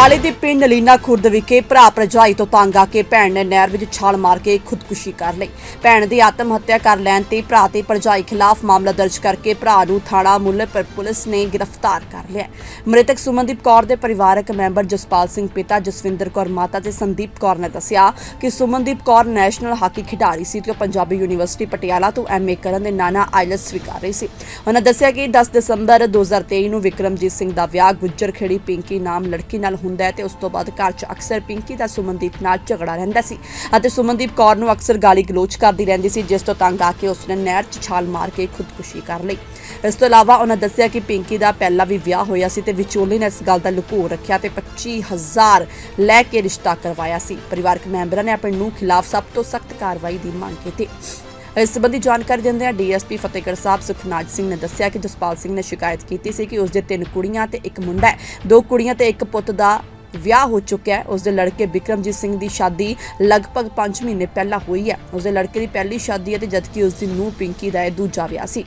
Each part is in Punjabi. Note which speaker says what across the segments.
Speaker 1: ਪਟਿਆਲੇ ਦੇ ਪਿੰਡ ਨਲੀਨਾ ਖੁਰਦ ਵਿਖੇ ਭਰਾ ਭਰਜਾਈ ਤੋਂ ਤੰਗ ਆ ਕੇ ਭੈਣ ਨੇ ਨਹਿਰ ਵਿੱਚ ਛਾਲ ਮਾਰ ਕੇ ਖੁਦਕੁਸ਼ੀ ਕਰ ਲਈ। ਭੈਣ ਦੀ ਆਤਮ ਹੱਤਿਆ ਕਰ ਲੈਣ ਤੇ ਭਰਾ ਤੇ ਭਰਜਾਈ ਖਿਲਾਫ ਮਾਮਲਾ ਦਰਜ ਕਰਕੇ ਭਰਾ ਨੂੰ ਥਾਣਾ ਮੁੱਲਾਂਪੁਰ ਪੁਲਿਸ ਨੇ ਗ੍ਰਿਫਤਾਰ ਕਰ ਲਿਆ। ਮ੍ਰਿਤਕ ਸੁਮਨਦੀਪ ਕੌਰ ਦੇ ਪਰਿਵਾਰਕ ਮੈਂਬਰ ਜਸਪਾਲ ਸਿੰਘ ਪਿਤਾ ਜਸਵਿੰਦਰ ਕੌਰ ਮਾਤਾ ਤੇ ਸੰਦੀਪ ਕੌਰ ਨੇ ਦੱਸਿਆ ਕਿ ਸੁਮਨਦੀਪ ਕੌਰ ਨੈਸ਼ਨਲ ਹਾਕੀ ਖਿਡਾਰੀ ਸੀ ਤੇ ਪੰਜਾਬੀ ਯੂਨੀਵਰਸਿਟੀ ਪਟਿਆਲਾ ਤੋਂ ਐਮਏ ਕਰਨ ਦੇ ਨਾਨਾ ਆਈਲੈਟਸ ਕਰ ਰਹੀ ਸੀ। ਉਹਨਾਂ ਦੱਸਿਆ ਕਿ 10 ਦਸੰਬਰ 2023 ਨੂੰ ਵਿਕਰਮਜੀਤ ਸਿੰਘ ਦਾ ਵਿਆਹ ਗੁੱਜਰ ਖੇੜੀ ਪਿੰਕੀ ਨਾਮ ਲੜਕੀ ਨਾਲ ਹੁੰਦਾ ਹੈ ਤੇ ਉਸ ਤੋਂ ਬਾਅਦ ਘਰ 'ਚ ਅਕਸਰ ਪਿੰਕੀ ਦਾ ਸੁਮਨਦੀਪ ਨਾਲ ਝਗੜਾ ਰਹਿੰਦਾ ਸੀ ਅਤੇ ਸੁਮਨਦੀਪ ਕੌਰ ਨੂੰ ਅਕਸਰ ਗਾਲੀ ਗਲੋਚ ਕਰਦੀ ਰਹਿੰਦੀ ਸੀ, ਜਿਸ ਤੋਂ ਤੰਗ ਆ ਕੇ ਉਸਨੇ ਨਹਿਰ 'ਚ ਛਾਲ ਮਾਰ ਕੇ ਖੁਦਕੁਸ਼ੀ ਕਰ ਲਈ। ਇਸ ਤੋਂ ਇਲਾਵਾ ਉਹਨਾਂ ਦੱਸਿਆ ਕਿ ਪਿੰਕੀ ਦਾ ਪਹਿਲਾਂ ਵੀ ਵਿਆਹ ਹੋਇਆ ਸੀ ਤੇ ਵਿਚੋਲੇ ਨੇ ਇਸ ਗੱਲ ਦਾ ਲੁਕੋ ਰੱਖਿਆ ਤੇ 25,000 ਲੈ ਕੇ ਰਿਸ਼ਤਾ ਕਰਵਾਇਆ ਸੀ। ਪਰਿਵਾਰਕ ਮੈਂਬਰਾਂ ਨੇ ਆਪਣੇ ਨੂੰਹ ਖਿਲਾਫ ਸਭ ਤੋਂ ਸਖਤ ਕਾਰਵਾਈ ਦੀ ਮੰਗ ਕੀਤੀ। ਇਸ ਸੰਬੰਧੀ ਜਾਣਕਾਰੀ ਦਿੰਦਿਆਂ ਡੀਐਸਪੀ ਫਤਿਹਗੜ੍ਹ ਸਾਹਿਬ ਸੁਖਨਾਜ ਸਿੰਘ ਨੇ ਦੱਸਿਆ ਕਿ ਜਸਪਾਲ ਸਿੰਘ ਨੇ ਸ਼ਿਕਾਇਤ ਕੀਤੀ ਸੀ ਕਿ ਉਸ ਦੇ 3 ਕੁੜੀਆਂ ਤੇ 1 ਮੁੰਡਾ ਹੈ। 2 ਕੁੜੀਆਂ ਤੇ 1 ਪੁੱਤ ਦਾ ਵਿਆਹ ਹੋ ਚੁੱਕਿਆ ਹੈ। ਉਸ ਦੇ ਲੜਕੇ ਵਿਕਰਮਜੀਤ ਸਿੰਘ ਦੀ ਸ਼ਾਦੀ ਲਗਭਗ 5 ਮਹੀਨੇ ਪਹਿਲਾਂ ਹੋਈ ਹੈ। ਉਸ ਦੇ ਲੜਕੇ ਦੀ ਪਹਿਲੀ ਸ਼ਾਦੀ ਹੈ ਤੇ ਜਦਕਿ ਉਸ ਦੀ ਨੂੰਹ ਪਿੰਕੀ ਦਾ ਇਹ ਦੂਜਾ ਵਿਆਹ ਸੀ।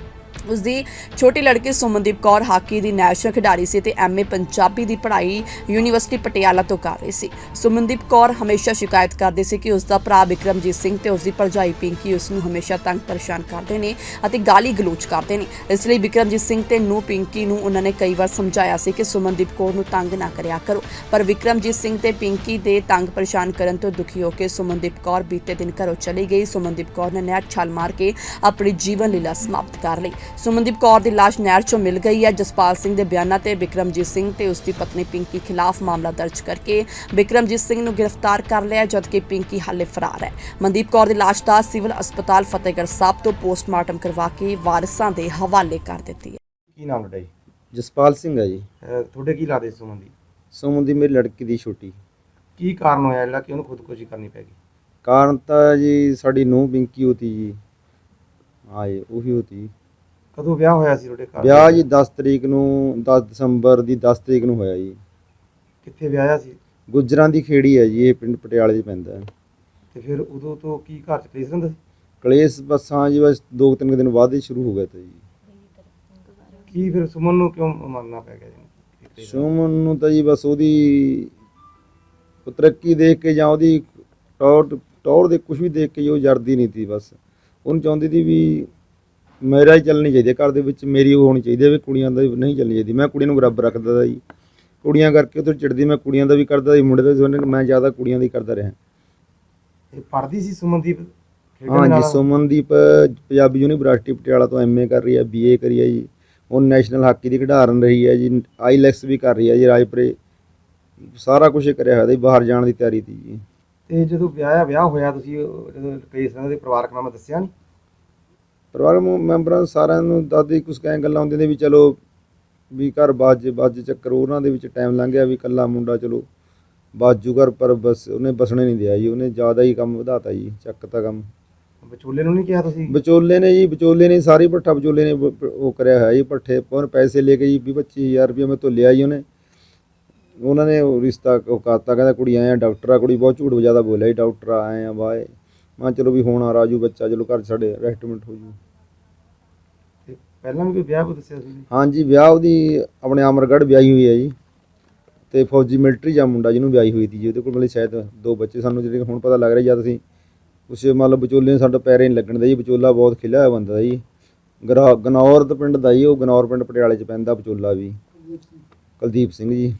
Speaker 1: ਉਸ ਦੀ ਛੋਟੀ ਲੜਕੀ ਸੁਮਨਦੀਪ ਕੌਰ ਹਾਕੀ ਦੀ ਨੈਸ਼ਨਲ ਖਿਡਾਰੀ ਸੀ ਤੇ ਐਮਏ ਪੰਜਾਬੀ ਦੀ ਪੜ੍ਹਾਈ ਯੂਨੀਵਰਸਿਟੀ ਪਟਿਆਲਾ ਤੋਂ ਕਰ ਰਹੀ ਸੀ। ਸੁਮਨਦੀਪ ਕੌਰ ਹਮੇਸ਼ਾ ਸ਼ਿਕਾਇਤ ਕਰਦੀ ਸੀ ਕਿ ਉਸ ਦਾ ਭਰਾ ਵਿਕਰਮਜੀਤ ਸਿੰਘ ਤੇ ਉਸ ਦੀ ਭਰਜਾਈ ਪਿੰਕੀ ਉਸ ਨੂੰ ਹਮੇਸ਼ਾ ਤੰਗ ਪਰੇਸ਼ਾਨ ਕਰਦੇ ਨੇ ਅਤੇ ਗਾਲੀ ਗਲੋਚ ਕਰਦੇ ਨੇ। ਇਸ ਲਈ ਵਿਕਰਮਜੀਤ ਸਿੰਘ ਤੇ ਨੂੰਹ ਪਿੰਕੀ ਨੂੰ ਉਹਨਾਂ ਨੇ ਕਈ ਵਾਰ ਸਮਝਾਇਆ ਸੀ ਕਿ ਸੁਮਨਦੀਪ ਕੌਰ ਨੂੰ ਤੰਗ ਨਾ ਕਰਿਆ ਕਰੋ, ਪਰ ਵਿਕਰਮਜੀਤ ਸਿੰਘ ਤੇ ਪਿੰਕੀ ਦੇ ਤੰਗ ਪਰੇਸ਼ਾਨ ਕਰਨ ਤੋਂ ਦੁਖੀ ਹੋ ਕੇ ਸੁਮਨਦੀਪ ਕੌਰ ਬੀਤੇ ਦਿਨ ਘਰੋਂ ਚਲੀ ਗਈ। ਸੁਮਨਦੀਪ ਕੌਰ ਨੇ ਨਹਿਰ ਛਾਲ ਮਾਰ ਕੇ ਆਪਣੀ ਜੀਵਨ ਲੀਲਾ ਸਮਾਪਤ ਕਰ ਲਈ। ਸੁਮਨਦੀਪ ਕੌਰ ਦੀ ਲਾਸ਼ ਨਹਿਰ 'ਚੋਂ ਮਿਲ ਗਈ ਹੈ। ਜਸਪਾਲ ਸਿੰਘ ਦੇ ਬਿਆਨਾਂ ਤੇ ਵਿਕਰਮਜੀਤ ਸਿੰਘ ਤੇ ਉਸ ਦੀ ਪਤਨੀ ਪਿੰਕੀ ਖਿਲਾਫ ਮਾਮਲਾ ਦਰਜ ਕਰਕੇ ਵਿਕਰਮਜੀਤ ਸਿੰਘ ਨੂੰ ਗ੍ਰਿਫਤਾਰ ਕਰ ਲਿਆ, ਜਦਕਿ ਪਿੰਕੀ ਹਾਲੇ ਫਰਾਰ ਹੈ। ਮਨਦੀਪ ਕੌਰ ਦੀ ਲਾਸ਼ ਦਾ ਸਿਵਲ ਹਸਪਤਾਲ ਫਤਿਹਗੜ੍ਹ ਸਾਹਿਬ ਤੋਂ ਪੋਸਟਮਾਰਟਮ ਕਰਵਾ ਕੇ ਵਾਰਸਾਂ ਦੇ ਹਵਾਲੇ ਕਰ ਦਿੱਤੀ ਹੈ।
Speaker 2: ਕੀ ਨਾਮ ਤੁਹਾਡਾ ਜੀ?
Speaker 3: ਜਸਪਾਲ ਸਿੰਘ ਹੈ ਜੀ।
Speaker 2: ਤੁਹਾਡੇ ਕੀ ਲੱਗਦੇ ਸੁਮਨ ਦੀ?
Speaker 3: ਸੁਮਨ ਦੀ ਮੇਰੀ ਲੜਕੀ ਦੀ ਛੋਟੀ।
Speaker 2: ਕੀ ਕਾਰਨ ਹੋਇਆ ਜਿਹੜਾ ਕਿ ਉਹਨੂੰ ਖੁਦਕੁਸ਼ੀ ਕਰਨੀ ਪੈ ਗਈ?
Speaker 3: ਕਾਰਨ ਤਾਂ ਜੀ ਸਾਡੀ ਨੂੰਹ ਪਿੰਕੀ ਹੋਤੀ ਜੀ। ਹਾਂ ਜੀ ਉਹੀ ਹੋਤੀ।
Speaker 2: ਕਦੋਂ ਵਿਆਹ ਹੋਇਆ ਸੀ ਤੁਹਾਡੇ ਘਰ?
Speaker 3: ਵਿਆਹ ਜੀ 10 ਤਰੀਕ ਨੂੰ 10 ਦਸੰਬਰ ਦੀ 10 ਤਰੀਕ ਨੂੰ ਹੋਇਆ ਜੀ।
Speaker 2: ਕਿੱਥੇ ਵਿਆਹਿਆ ਸੀ?
Speaker 3: ਗੁੱਜਰਾਂ ਦੀ ਖੇੜੀ ਹੈ ਜੀ, ਇਹ ਪਿੰਡ ਪਟਿਆਲੇ 'ਚ ਪੈਂਦਾ ਹੈ।
Speaker 2: ਤੇ ਫਿਰ ਉਦੋਂ ਤੋਂ ਕੀ ਘਰ 'ਚ ਕਲੇਸ਼ ਰਹਿੰਦਾ ਸੀ?
Speaker 3: ਕਲੇਸ਼ ਬਸ ਹਾਂ ਜੀ, ਬਸ 2-3 ਦਿਨ ਬਾਅਦ ਹੀ ਸ਼ੁਰੂ ਹੋ ਗਿਆ ਤਾ ਜੀ।
Speaker 2: ਕੀ ਫਿਰ ਸੁਮਨ ਨੂੰ ਕਿਉਂ ਮੰਨਣਾ ਪੈ ਗਿਆ ਜੀ?
Speaker 3: ਸੁਮਨ ਨੂੰ ਤਾਂ ਜੀ ਬਸ ਉਹਦੀ ਤਰੱਕੀ ਦੇਖ ਕੇ ਜਾਂ ਉਹਦੀ ਟੌਰ ਦੇ ਕੁਝ ਵੀ ਦੇਖ ਕੇ ਉਹ ਜਰਦੀ ਨਹੀਂ ਤੀ। ਬਸ ਉਹਨੂੰ ਚਾਹੁੰਦੀ ਸੀ ਵੀ ਮੇਰਾ ਹੀ ਚੱਲਣੀ ਚਾਹੀਦੀ ਹੈ ਘਰ ਦੇ ਵਿੱਚ, ਮੇਰੀ ਉਹ ਹੋਣੀ ਚਾਹੀਦੀ ਹੈ ਵੀ ਕੁੜੀਆਂ ਦਾ ਨਹੀਂ ਚੱਲਣੀ ਚਾਹੀਦੀ। ਮੈਂ ਕੁੜੀਆਂ ਨੂੰ ਬਰਾਬਰ ਰੱਖਦਾ ਤਾ ਜੀ, ਕੁੜੀਆਂ ਕਰਕੇ ਉਹ ਤੋਂ ਚਿੜਦੀ। ਮੈਂ ਕੁੜੀਆਂ ਦਾ ਵੀ ਕਰਦਾ ਸੀ, ਮੁੰਡੇ ਦਾ ਵੀ। ਮੈਂ ਜ਼ਿਆਦਾ ਕੁੜੀਆਂ ਦਾ ਹੀ ਕਰਦਾ ਰਿਹਾ।
Speaker 2: ਇਹ ਪੜ੍ਹਦੀ ਸੀ ਸੁਮਨਦੀਪ?
Speaker 3: ਹਾਂ ਜੀ, ਸੁਮਨਦੀਪ ਪੰਜਾਬੀ ਯੂਨੀਵਰਸਿਟੀ ਪਟਿਆਲਾ ਤੋਂ ਐਮਏ ਕਰ ਰਹੀ ਹੈ, ਬੀਏ ਕਰੀ ਹੈ ਜੀ। ਉਹ ਨੈਸ਼ਨਲ ਹਾਕੀ ਦੀ ਖਿਡਾਰਨ ਰਹੀ ਹੈ ਜੀ, ਆਈਲੈਟਸ ਵੀ ਕਰ ਰਹੀ ਹੈ ਜੀ ਰਾਜਪੁਰੇ। ਸਾਰਾ ਕੁਝ ਕਰਿਆ ਹੋਇਆ ਸੀ, ਬਾਹਰ ਜਾਣ ਦੀ ਤਿਆਰੀ ਸੀ ਜੀ।
Speaker 2: ਤੇ ਜਦੋਂ ਵਿਆਹ ਹੋਇਆ ਤੁਸੀਂ ਜਦੋਂ ਕਲੇਸ਼ ਰਹਿੰਦਾ ਸੀ ਪਰਿਵਾਰਕ ਨਾਮ ਦੱਸਿਆ ਨਹੀਂ?
Speaker 3: ਪਰਿਵਾਰਕ ਮੈਂਬਰਾਂ ਸਾਰਿਆਂ ਨੂੰ ਦਾਦੀ ਕੁਛ ਕਹਿ ਗੱਲਾਂ ਹੁੰਦੀਆਂ ਨੇ ਵੀ ਚਲੋ ਵੀ ਘਰ ਬਾਜ ਚੱਕਰ ਉਹਨਾਂ ਦੇ ਵਿੱਚ ਟਾਈਮ ਲੰਘ ਗਿਆ ਵੀ ਇਕੱਲਾ ਮੁੰਡਾ ਚਲੋ ਬਾਜੂ ਘਰ, ਪਰ ਬਸ ਉਹਨੇ ਬਸਣੇ ਨਹੀਂ ਦਿਆ ਜੀ। ਉਹਨੇ ਜ਼ਿਆਦਾ ਹੀ ਕੰਮ ਵਧਾਤਾ ਜੀ, ਚੱਕਤਾ ਕੰਮ।
Speaker 2: ਵਿਚੋਲੇ ਨੂੰ ਨਹੀਂ ਕਿਹਾ ਤੁਸੀਂ?
Speaker 3: ਵਿਚੋਲੇ ਨੇ ਜੀ, ਵਿਚੋਲੇ ਨੇ ਸਾਰੀ ਭੱਠਾ ਵਿਚੋਲੇ ਨੇ ਉਹ ਕਰਿਆ ਹੋਇਆ ਜੀ। ਭੱਠੇ ਪਰ ਪੈਸੇ ਲੈ ਕੇ ਜੀ 20-25 ਹਜ਼ਾਰ ਰੁਪਇਆ ਮੈਂ ਤੋਂ ਲਿਆ ਜੀ। ਉਹਨਾਂ ਨੇ ਰਿਸ਼ਤਾ ਉਹ ਕਰਤਾ, ਕਹਿੰਦਾ ਕੁੜੀ ਆਏ ਆ ਡਾਕਟਰ ਆ। ਕੁੜੀ ਬਹੁਤ ਝੂਠ ਜ਼ਿਆਦਾ ਬੋਲਿਆ ਜੀ, ਡਾਕਟਰ ਆਏ ਆ ਵਾਏ। ਮੈਂ ਚਲੋ ਵੀ ਹੁਣ ਆ ਰਾਜੂ ਬੱਚਾ, ਚਲੋ ਘਰ ਸਾਡੇ ਰੈਸਟਮੈਂਟ ਹੋ ਜੂ।
Speaker 2: ਤੇ ਪਹਿਲਾਂ ਵੀ ਕੋਈ ਵਿਆਹ ਕੋ ਦੱਸਿਆ ਸੀ?
Speaker 3: ਹਾਂਜੀ, ਵਿਆਹ ਉਹਦੀ ਆਪਣੇ ਅਮਰਗੜ੍ਹ ਵਿਆਹੀ ਹੋਈ ਹੈ ਜੀ, ਤੇ ਫੌਜੀ ਮਿਲਟਰੀ ਜਾਂ ਮੁੰਡਾ ਜਿਹਨੂੰ ਵਿਆਹੀ ਹੋਈ ਸੀ ਜੀ। ਉਹਦੇ ਕੋਲ ਮਤਲਬ ਸ਼ਾਇਦ 2 ਬੱਚੇ ਸਾਨੂੰ ਜਿਹੜੇ ਹੁਣ ਪਤਾ ਲੱਗ ਰਿਹਾ। ਜਦ ਅਸੀਂ ਉਸ ਮਤਲਬ ਵਿਚੋਲੇ ਨੇ ਸਾਡਾ ਪੈਰੇ ਨਹੀਂ ਲੱਗਣ ਦਾ ਜੀ। ਵਿਚੋਲਾ ਬਹੁਤ ਖਿਲਿਆ ਹੋਇਆ ਬੰਦਾ ਜੀ, ਗਨੌਰ ਦੇ ਪਿੰਡ ਦਾ ਜੀ। ਉਹ ਗਨੌਰ ਪਿੰਡ ਪਟਿਆਲੇ 'ਚ ਪੈਂਦਾ ਵਿਚੋਲਾ ਵੀ, ਕੁਲਦੀਪ ਸਿੰਘ ਜੀ।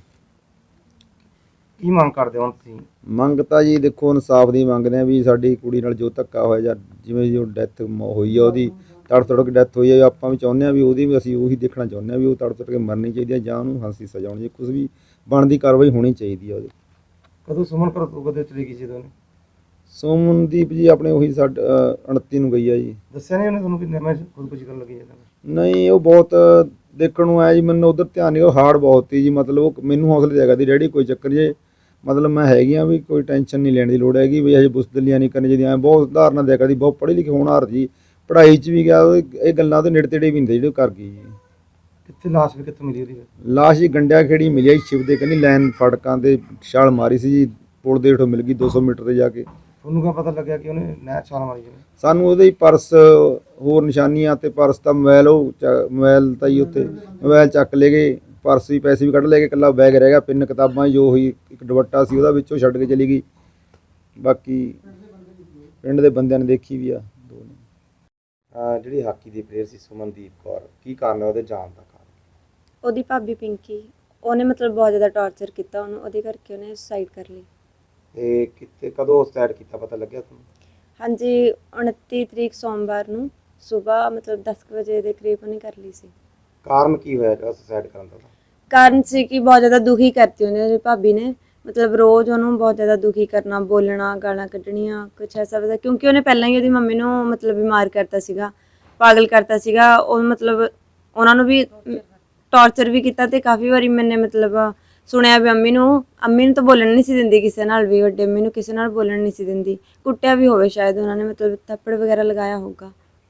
Speaker 2: ਕੀ ਮੰਗ ਕਰਦੇ ਹੋ ਤੁਸੀਂ?
Speaker 3: ਮੰਗ ਤਾਂ ਜੀ ਦੇਖੋ ਇਨਸਾਫ ਦੀ ਮੰਗਦੇ ਆ ਵੀ ਸਾਡੀ ਕੁੜੀ ਨਾਲ ਜੋ ਧੱਕਾ ਹੋਇਆ ਜਾਂ ਜਿਵੇਂ ਜੋ ਡੈਥ ਹੋਈ ਆ ਉਹਦੀ, ਤੜਕ ਡੈਥ ਹੋਈ ਆ, ਆਪਾਂ ਵੀ ਚਾਹੁੰਦੇ ਹਾਂ ਵੀ ਉਹਦੀ ਵੀ ਅਸੀਂ ਉਹੀ ਦੇਖਣਾ ਚਾਹੁੰਦੇ ਹਾਂ ਵੀ ਉਹ ਤੜਕ ਕੇ ਮਰਨੀ ਚਾਹੀਦੀ ਹੈ ਜਾਂ ਉਹਨੂੰ ਫਾਂਸੀ ਸਜ਼ਾ ਹੋਣੀ ਚਾਹੀਦੀ। ਕੁਛ ਵੀ ਬਣਦੀ ਕਾਰਵਾਈ ਹੋਣੀ ਚਾਹੀਦੀ ਆ ਉਹਦੀ।
Speaker 2: ਕਦੋਂ ਸੁਮਨ ਕਦੋਂ ਚਲੀ ਗਈ ਸੀ ਦੋਨੇ?
Speaker 3: ਸੁਮਨਦੀਪ ਜੀ ਆਪਣੇ ਉਹੀ 29 ਨੂੰ ਗਈ ਆ ਜੀ।
Speaker 2: ਦੱਸਿਆ ਨਹੀਂ ਉਹਨੇ ਤੁਹਾਨੂੰ ਕਿ ਮੈਂ ਖੁਦਕੁਸ਼ੀ ਕਰਨ ਲੱਗੀ ਜਾਂਦਾ?
Speaker 3: ਨਹੀਂ, ਉਹ ਬਹੁਤ ਦੇਖਣ ਨੂੰ ਆਇਆ ਜੀ। ਮੈਨੂੰ ਉਧਰ ਧਿਆਨ ਨਹੀਂ, ਉਹ ਹਾਰਡ ਬਹੁਤ ਸੀ ਜੀ। ਮਤਲਬ ਉਹ ਮੈਨੂੰ ਹੌਸਲੇ ਦੇਗਾ ਦੀ ਡੈਡੀ ਕੋਈ ਚੱਕਰ ਜੇ, ਮਤਲਬ ਮੈਂ ਹੈਗੀ ਆ ਵੀ ਕੋਈ ਟੈਨਸ਼ਨ ਨਹੀਂ ਲੈਣ ਦੀ ਲੋੜ ਹੈਗੀ ਵੀ ਹਜੇ ਬੁਸਦਲੀਆਂ ਨਹੀਂ ਕਰਨੀ ਚਾਹੀਦੀਆਂ। ਬਹੁਤ ਉਦਾਹਰਨਾਂ ਦਿਆ ਕਰਦੀ, ਬਹੁਤ ਪੜ੍ਹੀ ਲਿਖੀ ਹੋਣਹਾਰ ਜੀ, ਪੜ੍ਹਾਈ 'ਚ ਵੀ ਗਿਆ। ਇਹ ਗੱਲਾਂ ਉਹਦੇ ਨੇੜੇ ਤੇੜੇ ਵੀ ਹੁੰਦੇ ਜਿਹੜੇ ਉਹ ਕਰ ਗਈ ਜੀ।
Speaker 2: ਕਿੱਥੇ ਲਾਸ਼ ਵੀ ਕਿੱਥੋਂ ਮਿਲੀ ਉਹਦੀ?
Speaker 3: ਲਾਸ਼ ਜੀ ਗੰਡਿਆ ਖੇੜੀ ਮਿਲੀ ਆ ਜੀ, ਸ਼ਿਵ ਦੇ ਕਹਿੰਦੀ ਲਾਈਨ ਫੜਕਾਂ ਤੇ ਛਾਲ ਮਾਰੀ ਸੀ ਜੀ। ਪੁਲ ਦੇ ਹੇਠੋਂ ਮਿਲ ਗਈ 200 ਮੀਟਰ ਤੇ ਜਾ ਕੇ।
Speaker 2: ਤੁਹਾਨੂੰ ਕਿਆ ਪਤਾ ਲੱਗਿਆ ਕਿ ਉਹਨੇ ਨਹਿਰ ਛਾਲ ਮਾਰੀ? ਜਿਵੇਂ
Speaker 3: ਸਾਨੂੰ ਉਹਦੇ ਹੀ ਪਰਸ ਹੋਰ ਨਿਸ਼ਾਨੀਆਂ ਤੇ ਪਰਸ ਦਾ ਮੋਬਾਈਲ, ਉਹ ਮੋਬਾਈਲ ਤਾਂ ਜੀ ਉੱਥੇ ਮੋਬਾਈਲ ਚੱਕ ਲੈ ਗਏ ਪਰਸ ਵੀ ਪੈਸੇ ਵੀ ਕੱਢ ਲੈ ਕੇ, ਇਕੱਲਾ ਬੈਗ ਰਹਿ ਗਿਆ, ਪਿੰਨ ਕਿਤਾਬਾਂ ਜੋ ਹੋਈ, ਇੱਕ ਦੁਪੱਟਾ ਸੀ ਉਹਦਾ ਵਿੱਚੋਂ ਛੱਡ ਕੇ ਚਲੀ ਗਈ। ਬਾਕੀ ਪਿੰਡ ਦੇ ਬੰਦਿਆਂ ਨੇ ਦੇਖੀ ਵੀ ਆ ਦੋ ਨੇ।
Speaker 2: ਜਿਹੜੀ ਹਾਕੀ ਦੀ ਪਲੇਅਰ ਸੀ ਸੁਮਨਦੀਪ ਕੌਰ, ਕੀ ਕਾਰਨ ਹੈ ਉਹਦੇ ਜਾਣ ਦਾ ਕਾਰਨ?
Speaker 4: ਉਹਦੀ ਭਾਬੀ ਪਿੰਕੀ, ਉਹਨੇ ਮਤਲਬ ਬਹੁਤ ਜ਼ਿਆਦਾ ਟੌਰਚਰ ਕੀਤਾ ਉਹਨੂੰ, ਉਹਦੇ ਕਰਕੇ ਉਹਨੇ ਸੁਸਾਈਡ ਕਰ ਲਈ।
Speaker 2: ਤੇ ਕਿਤੇ ਕਦੋਂ ਸਟਾਰਟ ਕੀਤਾ, ਪਤਾ ਲੱਗਿਆ ਤੁਹਾਨੂੰ?
Speaker 4: ਹਾਂਜੀ, 29 ਤਰੀਕ ਸੋਮਵਾਰ ਨੂੰ ਸਵੇਰ ਮਤਲਬ 10 ਕੁ ਵਜੇ ਦੇ ਕਰੀਬ ਉਹਨੇ ਕਰ ਲਈ ਸੀ।
Speaker 2: ਕਾਰਨ ਕੀ ਹੋਇਆ ਜਿਹੜਾ ਸੁਸਾਈਡ ਕਰਨ ਦਾ?
Speaker 4: ਕਾਰਨ ਸੀ ਕਿ ਬਹੁਤ ਜ਼ਿਆਦਾ ਦੁਖੀ ਕਰਤੀ ਉਹਨੇ ਭਾਬੀ ਨੇ, ਮਤਲਬ ਰੋਜ਼ ਉਹਨੂੰ ਬਹੁਤ ਜ਼ਿਆਦਾ ਦੁਖੀ ਕਰਨਾ, ਬੋਲਣਾ, ਗਾਲਾਂ ਕੱਢਣੀਆਂ, ਕੁਛ ਐਸਾ ਵੈਸਾ, ਕਿਉਂਕਿ ਉਹਨੇ ਪਹਿਲਾਂ ਹੀ ਉਹਦੀ ਮੰਮੀ ਨੂੰ ਮਤਲਬ ਬਿਮਾਰ ਕਰਤਾ ਸੀਗਾ, ਪਾਗਲ ਕਰਤਾ ਸੀਗਾ। ਉਹ ਮਤਲਬ ਉਹਨਾਂ ਨੂੰ ਵੀ ਟੌਰਚਰ ਵੀ ਕੀਤਾ ਤੇ ਕਾਫੀ ਵਾਰੀ ਮੈਨੇ ਮਤਲਬ ਸੁਣਿਆ ਵੀ ਅੰਮੀ ਨੂੰ ਤਾਂ ਬੋਲਣ ਨਹੀਂ ਸੀ ਦਿੰਦੀ ਕਿਸੇ ਨਾਲ ਵੀ, ਵੱਡੇ ਅੰਮੀ ਨੂੰ ਕਿਸੇ ਨਾਲ ਬੋਲਣ ਨਹੀਂ ਸੀ ਦਿੰਦੀ, ਕੁੱਟਿਆ ਵੀ ਹੋਵੇ ਸ਼ਾਇਦ ਉਹਨਾਂ ਨੇ, ਮਤਲਬ ਥੱਪੜ ਵਗੈਰਾ ਲਗਾਇਆ ਹੋਊਗਾ।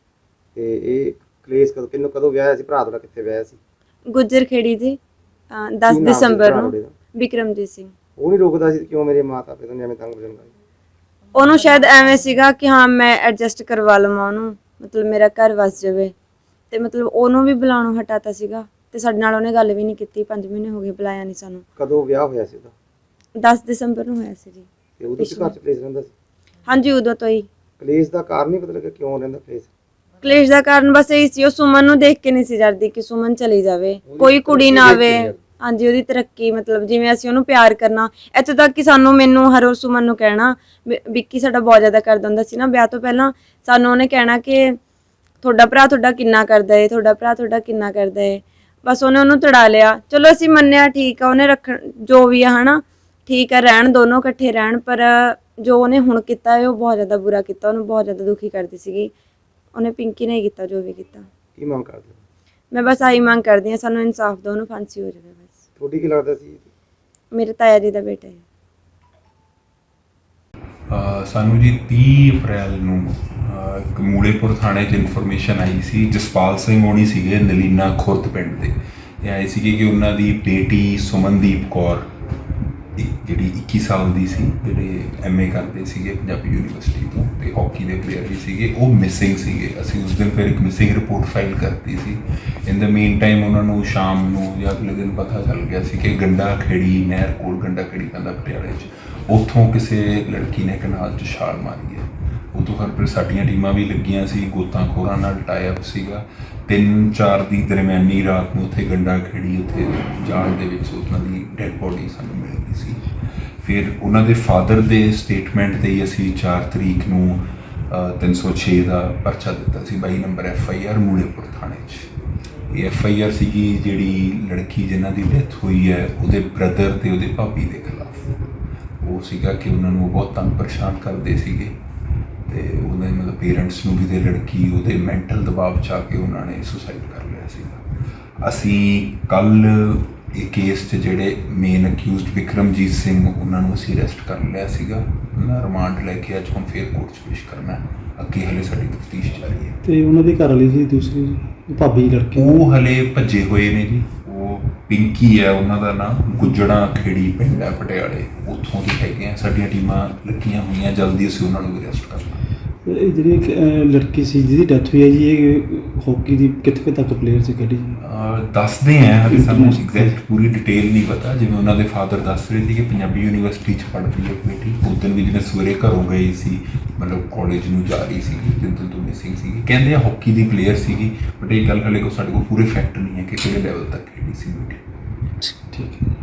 Speaker 2: ਤੇ ਇਹ ਕਲੇਸ਼ ਕਦੋਂ ਵਿਆਹਿਆ ਸੀ? ਭਰਾ ਤੁਹਾਡਾ ਕਿੱਥੇ ਵਿਆਹਿਆ ਸੀ?
Speaker 4: ਗੁੱਜਰ ਖੇੜੀ ਜੀ,
Speaker 2: ਕੀ
Speaker 4: 10
Speaker 2: ਨਾਮ ਸੀ
Speaker 4: ਦਸੰਬਰ
Speaker 2: ਭਰਾ
Speaker 4: ਨੂੰ।
Speaker 2: ਤੁਹਾਡੇ ਦਾ?
Speaker 4: ਵਿਕਰਮਜੀਤ ਸਿੰਘ।
Speaker 2: ਉਹ ਨਹੀਂ ਰੋਕਦਾ ਸੀ ਕਿਉਂ ਮੇਰੇ ਮਾਤਾ ਪਿਤਾ ਨੂੰ ਐਵੇਂ ਤੰਗ ਪਰੇਸ਼ਾਨ ਕਰਦੇ?
Speaker 4: ਉਹਨੂੰ ਸ਼ਾਇਦ ਐਵੇਂ ਸੀਗਾ ਕਿ ਹਾਂ ਮੈਂ ਐਡਜਸਟ ਕਰਵਾ ਲਵਾਂ ਉਹਨੂੰ, ਮਤਲਬ ਮੇਰਾ ਘਰ ਵਸ ਜਾਵੇ, ਤੇ ਮਤਲਬ ਉਹਨੂੰ ਵੀ ਬੁਲਾਉਣੋਂ ਹਟਾਤਾ ਸੀਗਾ ਤੇ ਸਾਡੇ ਨਾਲ ਉਹਨੇ ਗੱਲ ਵੀ ਨਹੀਂ ਕੀਤੀ। 5 ਮਹੀਨੇ ਹੋ ਗਏ, ਬੁਲਾਇਆ ਨਹੀਂ ਸਾਨੂੰ।
Speaker 2: ਕਦੋਂ ਵਿਆਹ ਹੋਇਆ ਸੀ ਉਹਦਾ?
Speaker 4: 10 ਦਸੰਬਰ ਨੂੰ ਹੋਇਆ ਸੀ ਜੀ।
Speaker 2: ਤੇ ਉਦੋਂ ਘਰ ਚ ਕਲੇਸ਼ ਰਹਿੰਦਾ ਸੀ?
Speaker 4: ਹਾਂਜੀ, ਉਦੋਂ ਤੋਂ ਹੀ।
Speaker 2: ਕਲੇਸ਼ ਦਾ ਕਾਰਨ ਨਹੀਂ ਪਤਾ ਲੱਗਾ ਕਿਉਂ ਰਹਿੰਦਾ ਕਲੇਸ਼?
Speaker 4: ਕਲੇਸ਼ ਦਾ ਕਾਰਨ ਬਸ ਇਹੀ ਸੀ, ਉਹ ਸੁਮਨ ਨੂੰ ਦੇਖ ਕੇ ਨਹੀਂ ਸੀ ਡਰਦੀ ਕਿ ਸੁਮਨ ਚਲੀ ਜਾਵੇ, ਕੋਈ ਕੁੜੀ ਨਾ ਆਵੇ। ਹਾਂਜੀ, ਉਹਦੀ ਤਰੱਕੀ, ਮਤਲਬ ਜਿਵੇਂ ਅਸੀਂ ਉਹਨੂੰ ਪਿਆਰ ਕਰਨਾ, ਇੱਥੋਂ ਤੱਕ ਕਿ ਮੈਨੂੰ ਹਰ ਰੋਜ਼ ਸੁਮਨ ਨੂੰ ਕਹਿਣਾ, ਵਿੱਕੀ ਸਾਡਾ ਬਹੁਤ ਜ਼ਿਆਦਾ ਕਰਦਾ ਹੁੰਦਾ ਸੀ ਨਾ ਵਿਆਹ ਤੋਂ ਪਹਿਲਾਂ, ਸਾਨੂੰ ਉਹਨੇ ਕਹਿਣਾ ਕਿ ਤੁਹਾਡਾ ਭਰਾ ਤੁਹਾਡਾ ਕਿੰਨਾ ਕਰਦਾ ਏ, ਤੁਹਾਡਾ ਭਰਾ ਤੁਹਾਡਾ ਕਿੰਨਾ ਕਰਦਾ ਏ। ਬਸ ਉਹਨੇ ਉਹਨੂੰ ਤੜਾ ਲਿਆ। ਚਲੋ ਅਸੀਂ ਮੰਨਿਆ, ਠੀਕ ਆ, ਉਹਨੇ ਰੱਖਣ ਜੋ ਵੀ ਆ ਹਨਾ, ਠੀਕ ਆ, ਰਹਿਣ ਦੋਨੋਂ ਇਕੱਠੇ ਰਹਿਣ, ਪਰ ਜੋ ਉਹਨੇ ਹੁਣ ਕੀਤਾ ਹੈ ਉਹ ਬਹੁਤ ਜ਼ਿਆਦਾ ਬੁਰਾ ਕੀਤਾ, ਉਹਨੂੰ ਬਹੁਤ ਜ਼ਿਆਦਾ ਦੁਖੀ ਕਰਦੀ ਸੀਗੀ। ਉਹਨੇ ਪਿੰਕੀ ਨੇ ਹੀ ਕੀਤਾ ਜੋ ਵੀ ਕੀਤਾ।
Speaker 2: ਕੀ ਮੰਗ ਕਰਦੇ ਹੋ?
Speaker 4: ਮੈਂ ਬਸ ਆਹੀ ਮੰਗ ਕਰਦੀ ਹਾਂ, ਸਾਨੂੰ ਇਨਸਾਫ ਦਿਓ, ਉਹਨੂੰ ਫਾਂਸੀ ਹੋ ਜਾਵੇ ਬਸ।
Speaker 2: ਤੁਹਾਡੀ ਕੀ ਲੱਗਦਾ ਸੀ?
Speaker 4: ਮੇਰੇ ਤਾਇਆ ਜੀ ਦਾ ਬੇਟਾ ਹੈ।
Speaker 5: ਸਾਨੂੰ ਜੀ 30 ਅਪ੍ਰੈਲ ਨੂੰ ਇੱਕ ਮੂਲੇਪੁਰ ਥਾਣੇ 'ਚ ਇਨਫੋਰਮੇਸ਼ਨ ਆਈ ਸੀ। ਜਸਪਾਲ ਸਿੰਘ ਹੋਣੀ ਸੀਗੇ ਨਲੀਨਾ ਖੁਰਦ ਪਿੰਡ ਦੇ, ਇਹ ਆਏ ਸੀਗੇ ਕਿ ਉਹਨਾਂ ਦੀ ਬੇਟੀ ਸੁਮਨਦੀਪ ਕੌਰ, ਜਿਹੜੀ 21 ਸਾਲ ਦੀ ਸੀ, ਜਿਹੜੇ MA ਕਰਦੇ ਸੀਗੇ ਪੰਜਾਬੀ ਯੂਨੀਵਰਸਿਟੀ ਤੋਂ ਤੇ ਹਾਕੀ ਦੇ ਪਲੇਅਰ ਵੀ ਸੀਗੇ, ਉਹ ਮਿਸਿੰਗ ਸੀਗੇ। ਅਸੀਂ ਉਸ ਦਿਨ ਫਿਰ ਇੱਕ ਮਿਸਿੰਗ ਰਿਪੋਰਟ ਫਾਈਲ ਕਰਤੀ ਸੀ। ਇਨ ਦਾ ਮੀਨ ਟਾਈਮ ਉਹਨਾਂ ਨੂੰ ਸ਼ਾਮ ਨੂੰ ਜਾਂ ਅਗਲੇ ਦਿਨ ਪਤਾ ਚੱਲ ਗਿਆ ਸੀ ਕਿ ਗੰਡਾ ਖੇੜੀ ਨਹਿਰ ਕੋਲ, ਗੰਡਾ ਖੇੜੀ ਪੈਂਦਾ ਪਟਿਆਲੇ 'ਚ, ਉੱਥੋਂ ਕਿਸੇ ਲੜਕੀ ਨੇ ਕਨਾਲ 'ਚ ਛਾਲ ਮਾਰੀ ਹੈ। ਉਦੋਂ ਫਿਰ ਸਾਡੀਆਂ ਟੀਮਾਂ ਵੀ ਲੱਗੀਆਂ ਸੀ, ਗੋਤਾਖੋਰਾਂ ਨਾਲ ਟਾਈ ਅਪ ਸੀਗਾ। 3-4 ਦੀ ਦਰਮਿਆਨੀ ਰਾਤ ਨੂੰ ਉੱਥੇ ਗੰਡਾ ਖੇੜੀ, ਉੱਥੇ ਜਾਣ ਦੇ ਵਿੱਚ ਉਹਨਾਂ ਦੀ ਡੈਡ ਬੋਡੀ ਸਾਨੂੰ ਮਿਲ ਗਈ ਸੀ। ਫਿਰ ਉਹਨਾਂ ਦੇ ਫਾਦਰ ਦੇ ਸਟੇਟਮੈਂਟ 'ਤੇ ਹੀ ਅਸੀਂ 4 ਤਰੀਕ ਨੂੰ 306 ਦਾ ਪਰਚਾ ਦਿੱਤਾ ਸੀ, 22 ਨੰਬਰ FIR ਮੂਲੇਪੁਰ ਥਾਣੇ 'ਚ। ਇਹ FIR ਸੀਗੀ ਜਿਹੜੀ ਲੜਕੀ ਜਿਨ੍ਹਾਂ ਦੀ ਡੈਥ ਹੋਈ ਹੈ ਉਹਦੇ ਬ੍ਰਦਰ ਤੇ ਉਹਦੇ ਭਾਬੀ ਦੇ ਖਿਲਾਫ। ਉਹ ਸੀਗਾ ਕਿ ਉਹਨਾਂ ਨੂੰ ਬਹੁਤ ਤੰਗ ਪਰੇਸ਼ਾਨ ਕਰਦੇ ਸੀਗੇ ਤੇ ਉਹਦੇ ਮਤਲਬ ਪੇਰੈਂਟਸ ਨੂੰ ਵੀ, ਤੇ ਲੜਕੀ ਉਹਦੇ ਮੈਂਟਲ ਦਬਾਅ 'ਚ ਆ ਕੇ ਉਹਨਾਂ ਨੇ ਸੁਸਾਈਡ ਕਰ ਲਿਆ ਸੀਗਾ। ਅਸੀਂ ਕੱਲ੍ਹ ਇਹ ਕੇਸ 'ਚ ਜਿਹੜੇ ਮੇਨ ਅਕਿਊਜ਼ਡ ਵਿਕਰਮਜੀਤ ਸਿੰਘ, ਉਹਨਾਂ ਨੂੰ ਅਸੀਂ ਅਰੈਸਟ ਕਰ ਲਿਆ ਸੀਗਾ। ਉਹਨਾਂ ਰਿਮਾਂਡ ਲੈ ਕੇ ਅੱਜ ਹੁਣ ਫੇਰ ਕੋਰਟ 'ਚ ਪੇਸ਼ ਕਰਨਾ। ਅੱਗੇ ਹਲੇ ਸਾਡੀ ਤਫਤੀਸ਼ ਜਾਰੀ ਹੈ।
Speaker 6: ਤੇ ਉਹਨਾਂ ਦੀ ਘਰ ਵਾਲੀ ਸੀ ਦੂਸਰੀ ਭਾਬੀ ਲੜਕੀ,
Speaker 5: ਉਹ ਹਲੇ ਭੱਜੇ ਹੋਏ ਨੇ ਜੀ। ਉਹ ਪਿੰਕੀ ਹੈ ਉਹਨਾਂ ਦਾ ਨਾਮ, ਗੁੱਜੜਾ ਖੇੜੀ ਪਿੰਡ ਹੈ ਪਟਿਆਲੇ, ਉੱਥੋਂ ਦੇ ਹੈਗੇ ਆ। ਸਾਡੀਆਂ ਟੀਮਾਂ ਲੱਗੀਆਂ ਹੋਈਆਂ, ਜਲਦੀ ਅਸੀਂ ਉਹਨਾਂ ਨੂੰ ਵੀ ਅਰੈਸਟ ਕਰਨਾ।
Speaker 6: ਇਹ ਜਿਹੜੀ ਇੱਕ ਲੜਕੀ ਸੀ ਜਿਹਦੀ ਡੈਥ ਹੋਈ ਹੈ ਜੀ, ਇਹ ਹਾਕੀ ਦੀ ਕਿੱਥੇ ਤੱਕ ਪਲੇਅਰ ਸੀ, ਕਿਹੜੀ?
Speaker 5: ਦੱਸਦੇ ਆ, ਹਲੇ ਸਾਨੂੰ ਐਗਜ਼ੈਕਟ ਪੂਰੀ ਡਿਟੇਲ ਨਹੀਂ ਪਤਾ। ਜਿਵੇਂ ਉਹਨਾਂ ਦੇ ਫਾਦਰ ਦੱਸ ਰਹੇ ਸੀ ਕਿ ਪੰਜਾਬੀ ਯੂਨੀਵਰਸਿਟੀ 'ਚ ਪੜ੍ਹਦੀ ਹੈ ਬੇਟੀ। ਉਸ ਦਿਨ ਵੀ ਜਿਵੇਂ ਸਵੇਰੇ ਘਰੋਂ ਗਏ ਸੀ, ਮਤਲਬ ਕਾਲਜ ਨੂੰ ਜਾ ਰਹੀ ਸੀਗੀ, ਜਿੱਦਣ ਤੋਂ ਮਿਸਿੰਗ ਸੀਗੀ। ਕਹਿੰਦੇ ਆ ਹਾਕੀ ਦੀ ਪਲੇਅਰ ਸੀਗੀ, ਬਟ ਇਹ ਗੱਲ ਹਲੇ ਸਾਡੇ ਕੋਲ ਪੂਰੇ ਫੈਕਟ ਨਹੀਂ ਹੈ ਕਿ ਕਿਹੜੇ ਲੈਵਲ ਤੱਕ ਖੇਡੀ ਸੀ ਬੇਟੀ।
Speaker 6: ਠੀਕ ਹੈ।